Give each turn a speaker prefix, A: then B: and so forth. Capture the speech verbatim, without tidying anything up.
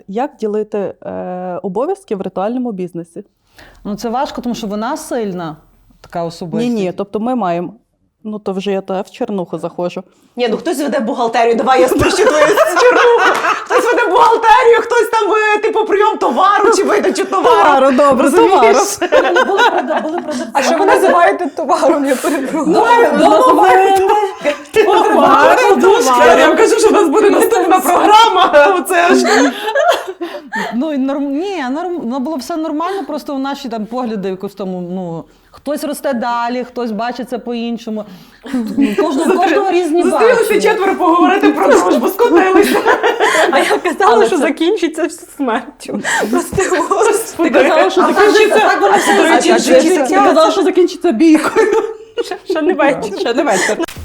A: Як ділити е, обов'язки в ритуальному бізнесі?
B: Ну це важко, тому що вона сильна, така особистість.
A: Ні-ні, тобто ми маємо, ну то вже я то в чернуху заходжу.
C: Ні, ну хтось веде бухгалтерію, давай я спущу твою чернуху. Хтось веде бухгалтерію, хтось там, типу, прийом товару чи видачу товару.
A: Товару, добре, товару.
D: А що ви називаєте товаром? Я перепрошую.
C: Ну, домовини. Подушка. Я вам кажу, що в нас буде наступна програма. Оце ж.
B: Ну, і норм... Ні, норм... ну, було все нормально, просто у наші там погляди якось тому, ну, хтось росте далі, хтось бачить це по-іншому. Кожного, кожного різні
C: Зустрілися
B: бачення.
C: четверо поговорити про дружбу, скотилися.
D: А я казала,
B: Але
D: що
B: це-
D: закінчиться смертю. Прости, Господи.
A: Ти казала, що
B: А
A: закінчиться,
B: так воно все
A: До речі,
B: закінчиться.
A: ти казала, що закінчиться бійкою.
D: Ще не вечір.
A: Ще не вечір.